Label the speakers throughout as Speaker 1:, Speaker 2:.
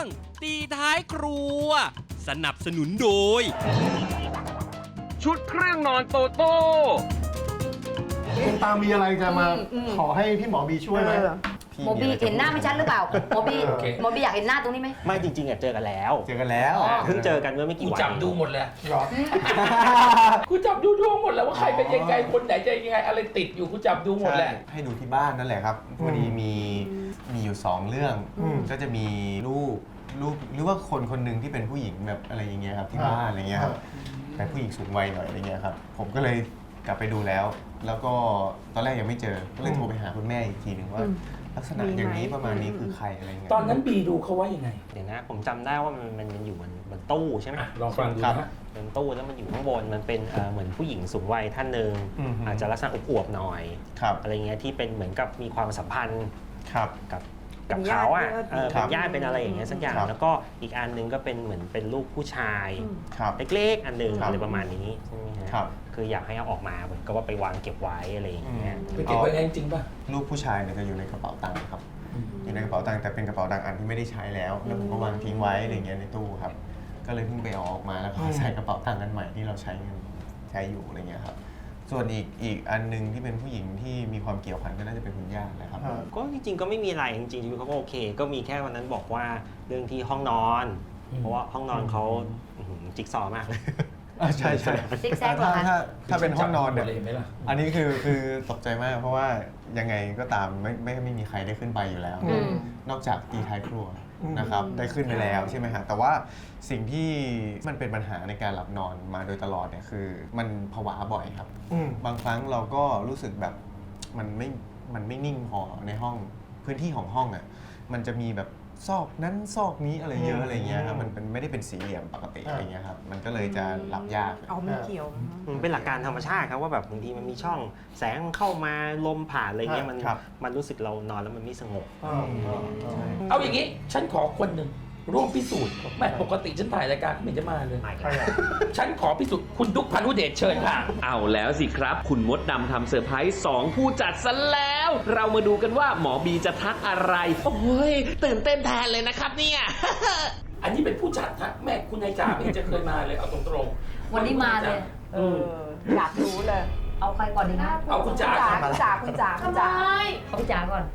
Speaker 1: งตีท้ายครัวสนับสนุนโดยชุดเครื่องนอนโตโต้
Speaker 2: คุณตามมีอะไรจะมาขอให้พี่หมอบีช่วยไหม
Speaker 3: โมบีเห็นหน้าไม่ชัดหรือเปล่าโมบีอยากเห็นหน้าตรงนี้ไหม
Speaker 4: ไม่จริงๆเจอกันแล้ว
Speaker 2: เจอกันแล้ว
Speaker 4: เพิ่งเจอกันเมื่อไม่
Speaker 5: กู
Speaker 4: กี่วัน
Speaker 5: จับดูหมดเลย
Speaker 2: หรอ
Speaker 5: กูจับดูดวงหมดแล้วว่าใครเป็นยังไงคนไหนจะยังไงอะไรติดอยู่กูจับดูหมดแหละ
Speaker 6: ให้ดูที่บ้านนั่นแหละครับพอดีมีอยู่2เรื่องก็จะมีลูกหรือว่าคนหนึ่งที่เป็นผู้หญิงแบบอะไรอย่างเงี้ยครับที่บ้านอะไรเงี้ยครับแต่ผู้หญิงสูงวัยหน่อยอะไรเงี้ยครับผมก็เลยกลับไปดูแล้วก็ตอนแรกยังไม่เจอก็เลยโทรไปหาคุณแม่อีกทีหนึ่งว่าลักษณะอย่างนี้ประมาณนี้คือใครอะไรเงี้ย
Speaker 5: ตอนนั้นบีดูเขาว่ายังไง
Speaker 4: เดี๋ยวนะผมจำได้ว่ามันอยู่บนตู้ใช่ไหม
Speaker 5: ลองฟังดูนะ
Speaker 4: เป็นตู้แล้วมันอยู่ข้างบนมันเป็นเหมือนผู้หญิงสูงวัยท่านหนึ่งอาจจะลักษณะอวบๆหน่อย
Speaker 6: ครับ
Speaker 4: อะไรเงี้ยที่เป็นเหมือนกับมีความสัมพันธ์
Speaker 6: ครับ
Speaker 4: กับเขาอ่ะเป็นญาติเป็นอะไรอย่างเงี้ยสักอย่าง
Speaker 6: ครับ
Speaker 4: แล้วก็อีกอันนึงก็เป็นเหมือนเป็นลูกผู้ชาย
Speaker 6: ครับ
Speaker 4: เล็กๆอันนึง
Speaker 6: ครับ
Speaker 4: อะไรประมาณนี้ใช่ไหมฮะ
Speaker 6: ครับ
Speaker 4: คืออยากให้เอาออกมาเหมือนกับว่าไปวางเก็บไว้อะไรอย่างเงี้ย
Speaker 5: ไปเก็บไว้ไงจริงป่ะ
Speaker 6: ลูกผู้ชายเนี่ยจะอยู่ในกระเป๋าตังค์ครับอยู่ในกระเป๋าตังค์แต่เป็นกระเป๋าตังค์อันที่ไม่ได้ใช้แล้วแล้วผมก็วางทิ้งไว้อะไรเงี้ยในตู้ครับก็เลยเพิ่งไปเอาออกมาแล้วก็ใส่กระเป๋าตังค์อันใหม่ที่เราใช้อยู่อะไรเงี้ยครับส่วนอีกอันนึงที่เป็นผู้หญิงที่มีความเกี่ยวพันก็น่าจะเป็นคุณย่าแหละครับ
Speaker 4: ก็จริงๆก็ไม่มีอะไรจริงๆเขาก็โอเค ก็มีแค่วันนั้นบอกว่าเรื่องที่ห้องนอน เพราะว่าห้องนอนเขาจิ๊กซอว์มากเลย
Speaker 6: ใช่ใช่
Speaker 3: ซิกแซกเหรอคะ
Speaker 6: ถ้าเป็นห้องนอนเนี่ย
Speaker 5: เลยไหมล่ะ
Speaker 6: อันนี้คือตกใจมากเพราะว่ายังไงก็ตามไม่มีใครได้ขึ้นไปอยู่แล้ว นอกจากตีท้ายครัวนะครับได้ขึ้นไปแล้วใช่ไหมฮะแต่ว่าสิ่งที่มันเป็นปัญหาในการหลับนอนมาโดยตลอดเนี่ยคือมันผวาบ่อยครับบางครั้งเราก็รู้สึกแบบมันไม่นิ่งพอในห้องพื้นที่ของห้องอ่ะมันจะมีแบบซอกนั้นซอกนี้อะไรเยอะอะไรเงี้ยครับมันไม่ได้เป็นสี่เหลี่ยมปกติอะไรเงี้ยครับมันก็เลยจะหลับยาก
Speaker 3: เอาไม่เกี่ยว
Speaker 4: มันเป็นหลักการธรรมชาติครับว่าแบบบางทีมันมีช่องแสงเข้ามาลมผ่านอะไรเงี้ยมันรู้สึกเรานอนแล้วมันไม่สงบ
Speaker 5: เอาอย่างนี้ฉันขอคนหนึ่งร่วมพิสูจน์แม่ปกติฉันถ่ายรายการไม่เห็นจะมาเลย ฉันขอพิสูจน์คุณดุ๊กพานุเดชเชิญค่ะ
Speaker 7: เอาแล้วสิครับ คุณมดดำทำเซอร์ไพรส์2ผู้จัดซะแล้ว เรามาดูกันว่าหมอบีจะทักอะไร โอ้ย ตื่นเต้นแทนเลยนะครับเนี่ย
Speaker 5: อันนี้เป็นผู้จัดฮะแม่คุณนายจ๋าไม่เห็นจะเคยมาเลยเอาตรงๆ
Speaker 3: วันนี้มาเลย
Speaker 8: อยากรู้เลย
Speaker 3: เอาใครก่อนดีคะ
Speaker 5: เอาคุณจ๋า
Speaker 8: คุณจ๋าคุณจ๋าคุณจ๋า
Speaker 3: เอาพี่จ๋าก่อน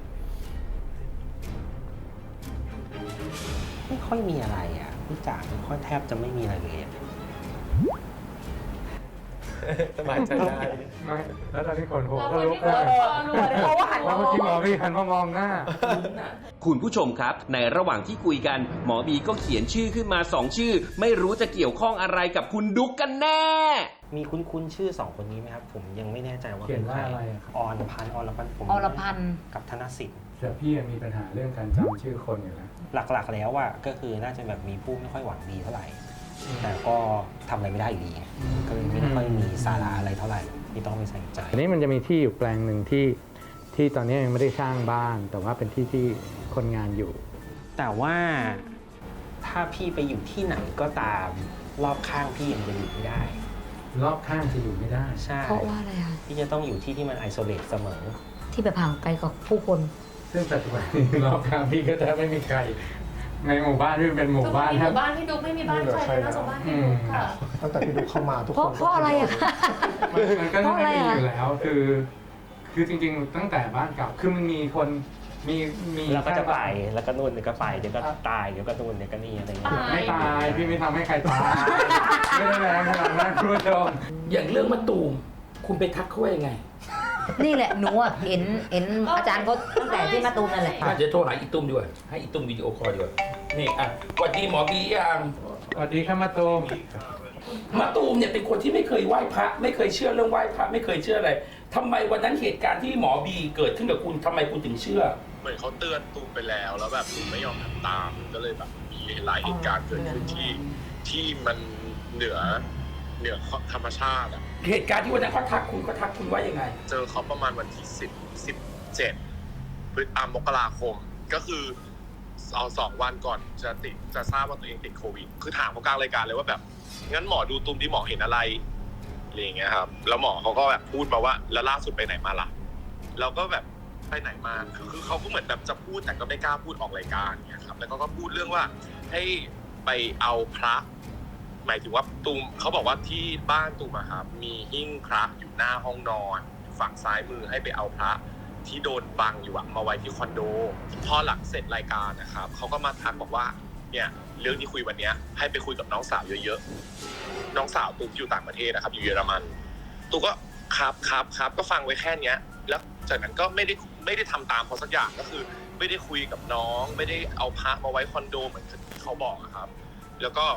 Speaker 4: ไม่ค่อยมีอะไรอ่ะพี่จ๋าไม่ค่อยแทบจะไม่มีอะไรเลยอะ
Speaker 6: สบายใจได้
Speaker 9: แล้วตอนที่คนโหก็ลุก
Speaker 8: เพราะว่าหัน
Speaker 9: แล้
Speaker 8: มาว
Speaker 9: เมื่อกี้หมอพี่หันมามองหน้า
Speaker 7: คุณผู้ชมครับ ในระหว่างที่คุยกัน หมอบีก็เขียนชื่อขึ้นมา2ชื่อ ไม่รู้จะเกี่ยวข้องอะไรกับคุณดุ๊กกันแน่
Speaker 4: มีคุ้นๆชื่อ2คนนี้ไหมครับผมยังไม่แน่ใจว่า
Speaker 9: เขียน
Speaker 4: เป็น
Speaker 9: ว่า
Speaker 4: ใคร
Speaker 9: อะไรอะครับ
Speaker 4: อรพันธ์ผม
Speaker 3: อรพันธ์
Speaker 4: กับธนสิทธิ์
Speaker 9: แต่พี่มีปัญหาเรื่องการจำชื่อคนอยู่แล้ว
Speaker 4: หลักๆแล้วอ่ะก็คือน่าจะแบบมีผู้ไม่ค่อยหวังดีเท่าไหร่ แต่ก็ทำอะไรไม่ได้อยู่ดีก็เลยไม่ได้ค่อยมีสาระอะไรเท่าไหร่ที่ต้องไปใส่ใจ
Speaker 9: อันนี้มันจะมีที่อยู่แปลงหนึ่งที่ตอนนี้ยังไม่ได้สร้างบ้าน แต่ว่าเป็นที่ที่คนงานอยู่
Speaker 4: แต่ว่าถ้าพี่ไปอยู่ที่ไหนก็ตามรอบข้างพี่ยังจะอยู่ไม่ได้
Speaker 9: รอบข้างจะอยู่ไม่ได้
Speaker 4: ใช่
Speaker 3: เพราะว่าอะไรคะ
Speaker 4: พี่จะต้องอยู่ที่ที่มันไอโซเลตเสมอ
Speaker 3: ที่แบบห่างไกลกับผู้คน
Speaker 9: ซึ่งปัจจุบันนี้รอบข้างพี่ก็แทบไม่มีใครในหมู่บ้านที่เป็นหมู่บ้าน
Speaker 8: หมู่บ้านพี่ดุ๊กไม่มีบ้านใครเลยนอกจากบ้านพี่ดุ๊กค่ะ
Speaker 2: ตั้งแต่พี่ดุ๊กเข้ามาทุก
Speaker 3: เพ
Speaker 2: ค
Speaker 3: ราะ
Speaker 2: น
Speaker 3: เพราะอะไรอะคะ
Speaker 9: มันก็ไม่มี
Speaker 3: เพราะอะไรอะ
Speaker 9: อยู่แล้วคือจริงๆตั้งแต่บ้านเก่าคือมันมีคนมี
Speaker 4: แล้วก็จะไปแล้วก็นู่นเดี๋ยวก็ไปเดี๋ยวก็ตายเดี๋ยวก็นู่นเดี๋ยวก็นี่อะไรอย่างเงี้ย
Speaker 9: ไม่ตายพี่ไม่ทำให้ใครตายไม่ได้แรงขนาดนั้นคุณผู้ชม
Speaker 5: อย่างเรื่องมะตูมคุณไปทักเขาว่ายังไง
Speaker 3: นี่แหละหนูอะเห็นอาจารย์เขาตั้งแต่ที่มาตูมนั่นแหละ
Speaker 5: เดี๋ยวโทรหาอีตุ้มดีกว่าให้อีตุ้มวิดีโอคอลดีกว่านี่อ่ะสวัสดีหมอบียัง
Speaker 9: สวัสดีครับมาตูม
Speaker 5: มะตูมเนี่ยเป็นคนที่ไม่เคยไหว้พระไม่เคยเชื่อเรื่องไหว้พระไม่เคยเชื่ออะไรทำไมวันนั้นเหตุการณ์ที่หมอบีเกิดขึ้นกับคุณทำไมคุณถึงเชื่อ
Speaker 10: เหมือนเขาเตือนตูมไปแล้วแบบตูมไม่ยอมทำตามก็เลยแบบมีหลายเหตุการณ์เกิดขึ้นที่มันเหนือธรรมชาติอ่ะ
Speaker 5: เหตุการณ์ที่วันนั้นเขาทักคุณว่ายังไง
Speaker 10: เจอเขาประมาณวันที่17 มกราคมก็คือเอา2 วันก่อนจะทราบว่าตัวเองติดโควิดคือถามเขากลางรายการเลยว่าแบบงั้นหมอดูตูมที่หมอเห็นอะไรอะไรอย่างเงี้ยครับแล้วหมอเขาก็แบบพูดมาว่าแล้วล่าสุดไปไหนมาล่ะเราก็แบบไปไหนมาคือเขาก็เหมือนแบบจะพูดแต่ก็ไม่กล้าพูดออกรายการเนี่ยครับแล้วก็พูดเรื่องว่าให้ไปเอาพระหมายถึงว่าตูมเขาบอกว่าที่บ้านตูมอะครับมีหิ้งพระอยู่หน้าห้องนอนฝั่งซ้ายมือให้ไปเอาพระที่โดนบังอยู่อะมาไว้ที่คอนโดพอหลังเสร็จรายการนะครับเขาก็มาทักบอกว่าเนี่ยเรื่องที่คุยวันนี้ให้ไปคุยกับน้องสาวเยอะๆน้องสาวตูมอยู่ต่างประเทศนะครับอยู่เยอรมันตูมก็ครับก็ฟังไว้แค่เนี้ยแล้วจากนั้นก็ไม่ได้ทำตามเขาสักอย่างก็คือไม่ได้คุยกับน้องไม่ได้เอาพระมาไว้คอนโดเหมือนที่เขาบอกครับแล้วก็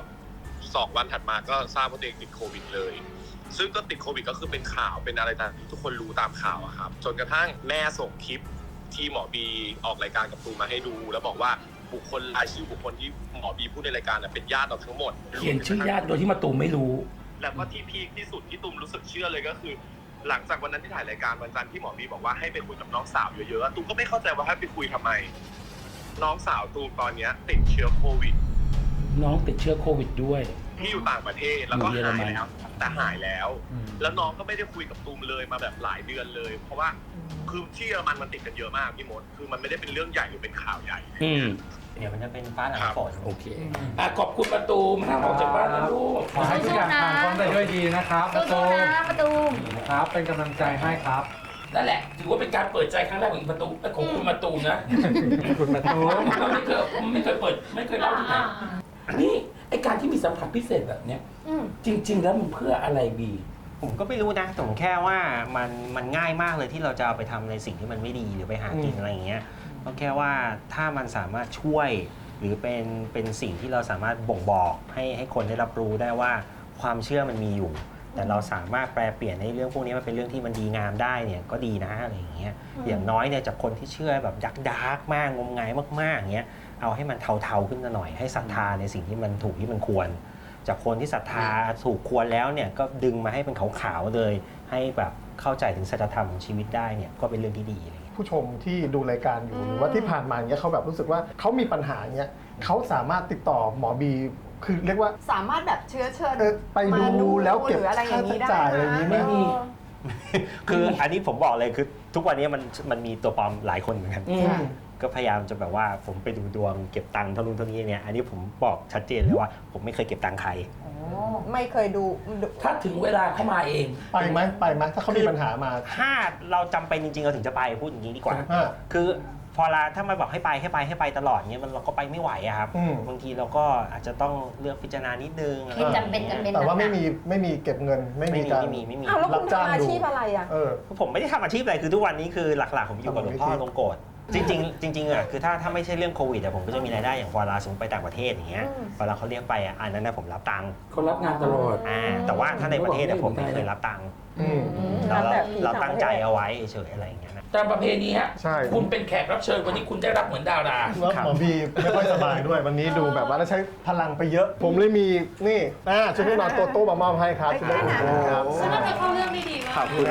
Speaker 10: 2 วันถัดมาก็ทราบว่าตัวเองติดโควิดเลยซึ่งก็ติดโควิดก็คือเป็นข่าวเป็นอะไรต่างๆทุกคนรู้ตามข่าวอะครับจนกระทั่งแม่ส่งคลิปที่หมอบีออกรายการกับตูมมาให้ดูแล้วบอกว่าบุคคลรายชื่อบุคคลที่หมอบีพูดในรายการเป็นญาติเราทั้งหมด
Speaker 5: เขียนชื่อญาติโดยที่มาตูมไม่รู้
Speaker 10: แล้วก็ที่พีคที่สุดที่ตูมรู้สึกเชื่อเลยก็คือหลังจากวันนั้นที่ถ่ายรายการวันจันทร์ที่หมอบีบอกว่าให้ไปคุยกับน้องสาวเยอะๆตูมก็ไม่เข้าใจว่าให้ไปคุยทำไมน้องสาวตูมตอนนี้ติดเชื้อโควิด
Speaker 5: น้องติดเชื้อโควิดด้วย
Speaker 10: ที่อยู่ต่างประเทศแล้วก็หายแล้วแต่หายแล้วแล้วน้องก็ไม่ได้คุยกับตูมเลยมาแบบหลายเดือนเลยเพราะว่าคือที่เยอรมันติดกันเยอะมากพี่มดคือมันไม่ได้เป็นเรื่องใหญ่หรือเป็นข่าวใหญ่
Speaker 4: เดี๋ยวมันจะเป็นฟ้าหลังฝน
Speaker 5: โอเคขอบคุณประตูห้ามออกจากบ้านนะลูก
Speaker 9: ขอให้ทุกอย่างผ่านพ้นไปด้วยดีนะครับประตู
Speaker 3: นะประตู
Speaker 9: ครับเป็นกำลังใจให้ครับ
Speaker 5: นั่นแหละถือว่าเป็นการเปิดใจครั้งแรกของประตูของคุณประตูนะ
Speaker 9: คุณประตู
Speaker 5: เราไม่เคยเปิดไม่เคยเล่าที่ไหนนี่ไอการที่มีสัมผัสพิเศษแบบเนี้ยจริงๆแล้วมันเพื่ออะไรบี
Speaker 4: ผมก็ไม่รู้นะแต่ผมแค่ว่ามันง่ายมากเลยที่เราจะเอาไปทำในสิ่งที่มันไม่ดีหรือไปหากินอะไรอย่างเงี้ยก็แค่ว่าถ้ามันสามารถช่วยหรือเป็นสิ่งที่เราสามารถบ่งบอกให้คนได้รับรู้ได้ว่าความเชื่อมันมีอยู่แต่เราสามารถแปลเปลี่ยนในเรื่องพวกนี้มันเป็นเรื่องที่มันดีงามได้เนี่ยก็ดีนะอะไรอย่างเงี้ยอย่างน้อยเนี่ยจากคนที่เชื่อแบบดาร์กมากงมงายมากๆอย่างเงี้ยเอาให้มันเทาๆขึ้นมาหน่อยให้ศรัทธาในสิ่งที่มันถูกที่มันควรจากคนที่ศรัทธาถูกควรแล้วเนี่ยก็ดึงมาให้เป็นขาวๆเลยให้แบบเข้าใจถึงสัจธรรมของชีวิตได้เนี่ยก็เป็นเรื่องที่ดีเลย
Speaker 2: ผู้ชมที่ดูรายการอยู่หรือว่าที่ผ่านมาเนี่ยเขาแบบรู้สึกว่าเขามีปัญหาเนี่ยเขาสามารถติดต่อหมอบีคือเรียกว่า
Speaker 8: สามารถแบบเชื้อเชิญ
Speaker 2: ไปดูแล้วเก็บค่าใช้จ่ายอะไรอย่างนี้ไม่มี
Speaker 4: คืออันนี้ผมบอกเลยคือทุกวันนี้มันมีตัวปลอมหลายคนเหมือนกันก็พยายามจะแบบว่าผมไปดูดวงเก็บตังค์เท่านู้นเท่านี้เนี่ยอันนี้ผมบอกชัดเจนเลยว่าผมไม่เคยเก็บตังค์ใคร
Speaker 8: ไม่เคยดู
Speaker 5: ถ้าถึงเวลาเข้ามาเอง
Speaker 2: ไปไหมถ้าเขามีปัญหามา
Speaker 4: ถ้าเราจำเป็นจริงๆเราถึงจะไปพูดอย่างนี้ดีกว่าคือพอถ้ามาบอกให้ไปตลอดเงี้ยเราก็ไปไม่ไหวอะครับบางทีเราก็อาจจะต้องเลือกพิจารณานิดนึง
Speaker 3: ที่จำเป็น
Speaker 2: แต่ว่าไม่มีเก็บเงินไม่มีการ
Speaker 8: แล้วคุณทำอาชีพอะไรอ่ะ
Speaker 4: ผมไม่ได้ทำอาชีพอะไรคือทุกวันนี้คือหลักๆผมอยู่กับหลวงพ่อลงโกรธจริงอ่ะคือถ้าไม่ใช่เรื่องโควิดผมก็จะมีรายได้อย่างเวลาสมมติไปต่างประเทศอย่างเงี้ยเวลาเขาเรียกไปอันนั้นนะผมรับตังค์
Speaker 5: เขารับงานตลอด
Speaker 4: แต่ว่าถ้าในประเทศผมไม่เคยรับตังค์เราตั้งใจเอาไว้เฉยอะไรอย่างเงี้ย
Speaker 5: ตามประเพณีฮะคุณเป็นแขกรับเชิญวันนี้คุณได้รับเหมือนดารา
Speaker 2: แล้วหมอบีไม่ค่อยสบายด้วยวันนี้ดูแบบว่าใช้พลังไปเยอะผมเลยมีนี่ชุดที่นอนโต๊ะมามอบให้ครับชุดนี้
Speaker 8: ครับฉันว่าจะเข้าเรื่องได้ดีมาก
Speaker 4: ขอบคุณ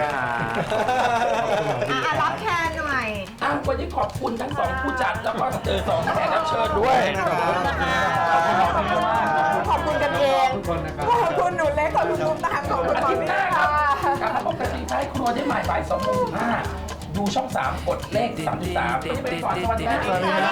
Speaker 4: ครับ
Speaker 8: รับแทนหน่อย
Speaker 5: วันนี้ขอบคุณทั้งสองผู้จัดแล้วก็2แขกรับเชิญด้วย
Speaker 8: ขอบคุณกันเองขอบคุณหนูเล็กขอบคุณตุ้มตามขอบคุณ
Speaker 5: อาทิตย์หน้าครับกลับมาพบกันที่ท้ายครัวได้ใหม่บ่าย 2:15ดูช่อง 3 กดเลข 33จะไปก่อนสวัสดีครับ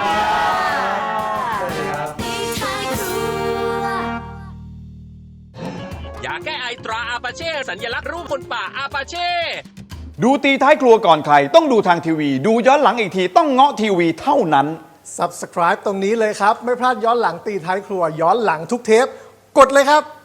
Speaker 1: ยาแก้ไอตราอาปาเช่สัญลักษณ์รูปคนป่าอาปาเช่
Speaker 11: ดูตีท้ายครัวก่อนใครต้องดูทางทีวีดูย้อนหลังอีกทีต้องเงาะทีวีเท่านั้น
Speaker 2: Subscribe ตรงนี้เลยครับไม่พลาดย้อนหลังตีท้ายครัวย้อนหลังทุกเทปกดเลยครับ